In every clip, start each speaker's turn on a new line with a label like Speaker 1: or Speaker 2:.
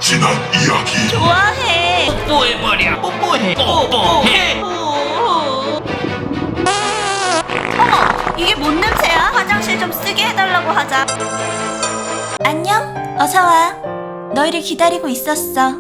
Speaker 1: 지난 이야기.
Speaker 2: 좋아해.
Speaker 3: 뽀뽀해버려. 뽀뽀해. 뽀뽀해.
Speaker 2: 어머, 이게 뭔 냄새야? 화장실 좀 쓰게 해달라고 하자. 안녕, 어서와. 너희를 기다리고 있었어.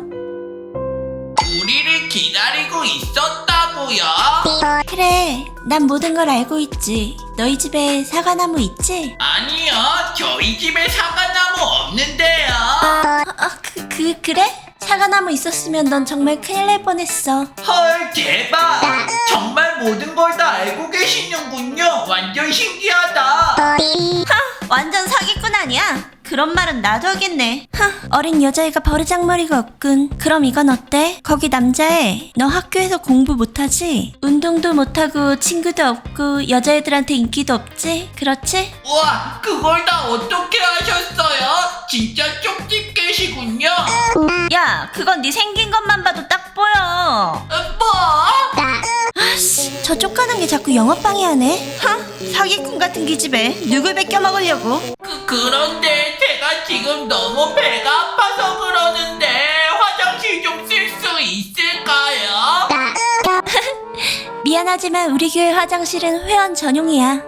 Speaker 3: 우리를 기다리고 있었다고요?
Speaker 2: 그래, 난 모든 걸 알고 있지. 너희 집에 사과나무 있지?
Speaker 3: 아니요, 저희 집에 사과나무 없는데요.
Speaker 2: 그래? 사과나무 있었으면 넌 정말 큰일 날 뻔했어.
Speaker 3: 헐, 대박. 정말 모든 걸 다 알고 계시는군요. 완전 신기하다.
Speaker 2: 완전 사기꾼 아니야? 그런 말은 나도 하겠네. 어린 여자애가 버르장머리가 없군. 그럼 이건 어때? 거기 남자애, 너 학교에서 공부 못하지? 운동도 못하고 친구도 없고 여자애들한테 인기도 없지? 그렇지?
Speaker 3: 우와, 그걸 다 어떻게 하셨어요? 진짜 쪽집 계시군요.
Speaker 2: 야, 그건 네 생긴 것만 봐도 딱 보여.
Speaker 3: 뭐?
Speaker 2: 아씨, 저 쫓가는 게 자꾸 영업방해하네. 사기꾼 같은 기집애, 누굴 뺏겨 먹으려고?
Speaker 3: 그런데 제가 지금 너무 배가 아파서 그러는데 화장실 좀 쓸 수 있을까요?
Speaker 2: 미안하지만 우리 교회 화장실은 회원 전용이야.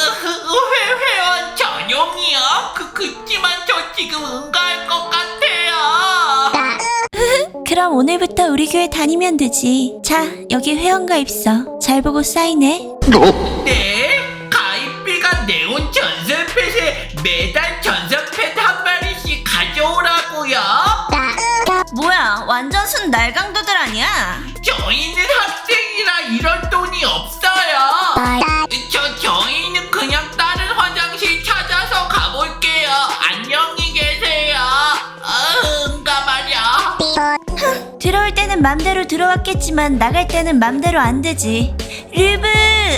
Speaker 3: 회원 전용이요? 그치만 저 지금 응가할 것 같아요.
Speaker 2: 그럼 오늘부터 우리 교회 다니면 되지. 자, 여기 회원가입서. 잘 보고 사인해.
Speaker 3: 네? 가입비가 네온 전설펫에 매달 전설펫 한 마리씩 가져오라고요?
Speaker 2: 뭐야, 완전 순 날강도들 아니야?
Speaker 3: 저희는 학생이라 이런 돈이 없어요. 저희는 그냥 다른 화장실 찾아서 가볼게요. 안녕히 계세요. 응가 말이야.
Speaker 2: 들어올 때는 맘대로 들어왔겠지만 나갈 때는 맘대로 안 되지. 르브!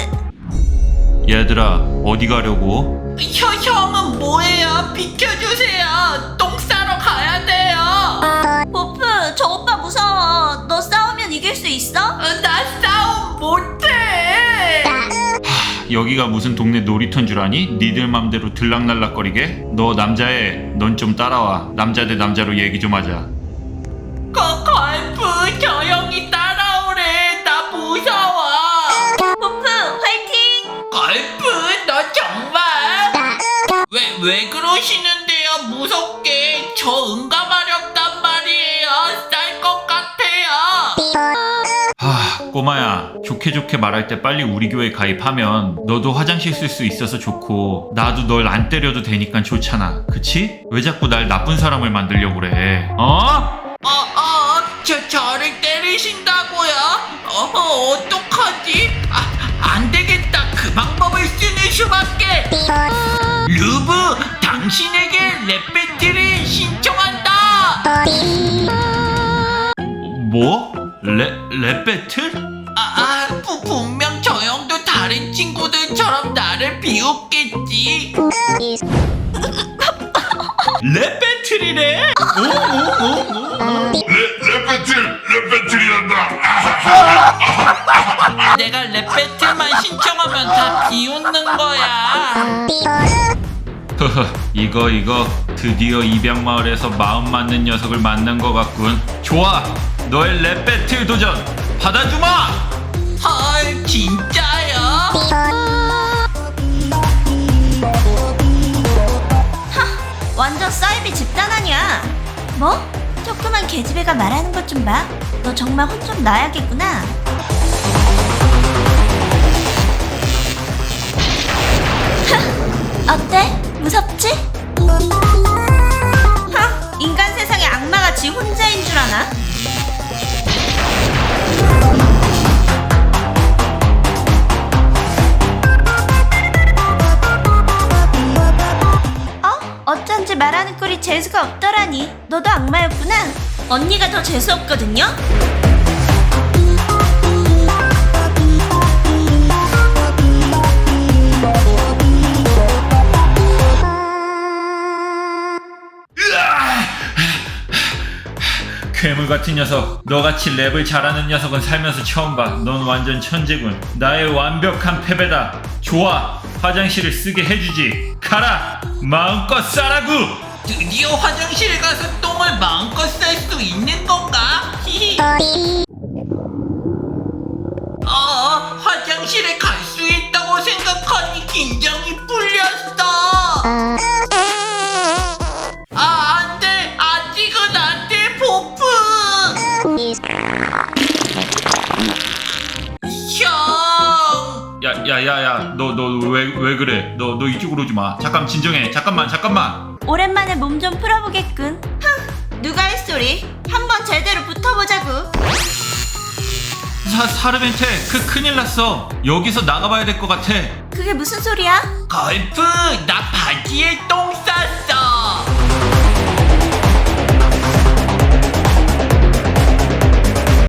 Speaker 4: 얘들아, 어디 가려고?
Speaker 3: 형은 뭐예요? 비켜주세요. 똥 싸러 가야 돼요.
Speaker 2: 보프, 저 오빠 무서워. 너 싸우면 이길 수 있어?
Speaker 3: 나 싸움 못해.
Speaker 4: 여기가 무슨 동네 놀이터인 줄 아니? 니들 맘대로 들락날락거리게? 너 남자애, 넌 좀 따라와. 남자 대 남자로 얘기 좀 하자.
Speaker 3: 걸프, 저 형이 따라오래. 나 무서워.
Speaker 2: 보프, 화이팅!
Speaker 3: 걸프, 너 정말? 왜 그러시는데요? 무섭게. 저 응가마렵단 말이에요. 쌀 것 같아요.
Speaker 4: 꼬마야, 좋게 말할 때 빨리 우리 교회 가입하면 너도 화장실 쓸 수 있어서 좋고 나도 널 안 때려도 되니까 좋잖아. 그치? 왜 자꾸 날 나쁜 사람을 만들려고 그래? 어?
Speaker 3: 저를 때리신다고요? 어떡하지? 안 되겠다. 그 방법을 쓰는 수밖에. 루브, 당신에게 랩 배틀을 신청한다.
Speaker 4: 뭐? 랩 배틀?
Speaker 3: 분명 저 형도 다른 친구들처럼 나를 비웃겠지.
Speaker 4: 랩 배틀이래?
Speaker 1: 랩배틀이란다.
Speaker 3: 내가 랩 배틀만 신청하면 다 비웃는 거야.
Speaker 4: 허허, 이거 드디어 입양마을에서 마음 맞는 녀석을 만난 것 같군. 좋아, 너의 랩 배틀 도전 받아주마.
Speaker 3: 헐, 진짜요?
Speaker 2: 완전 사이비 집단 아니야. 뭐? 조그만 개집애가 말하는 것 좀 봐. 너 정말 혼 좀 나야겠구나. 어때? 무섭지? 인간 세상에 악마가 지 혼자인 줄 아나? 어쩐지 말하는 꼴이 재수가 없더라니. 너도 악마였구나. 언니가 더 재수없거든요?
Speaker 4: 괴물 같은 녀석, 너같이 랩을 잘하는 녀석은 살면서 처음 봐. 넌 완전 천재군. 나의 완벽한 패배다. 좋아, 화장실을 쓰게 해주지. 가라, 마음껏 싸라구.
Speaker 3: 드디어 화장실에 가서 똥을 마음껏 쌀 수
Speaker 4: 야, 너 왜 그래? 너 이쪽으로 오지 마. 잠깐 진정해. 잠깐만.
Speaker 2: 오랜만에 몸 좀 풀어보겠군. 누가 할 소리? 한번 제대로 붙어보자고.
Speaker 4: 사르벤테, 큰일 났어. 여기서 나가봐야 될 것 같아.
Speaker 2: 그게 무슨 소리야?
Speaker 3: 걸프, 나 바지에 똥 쌌어.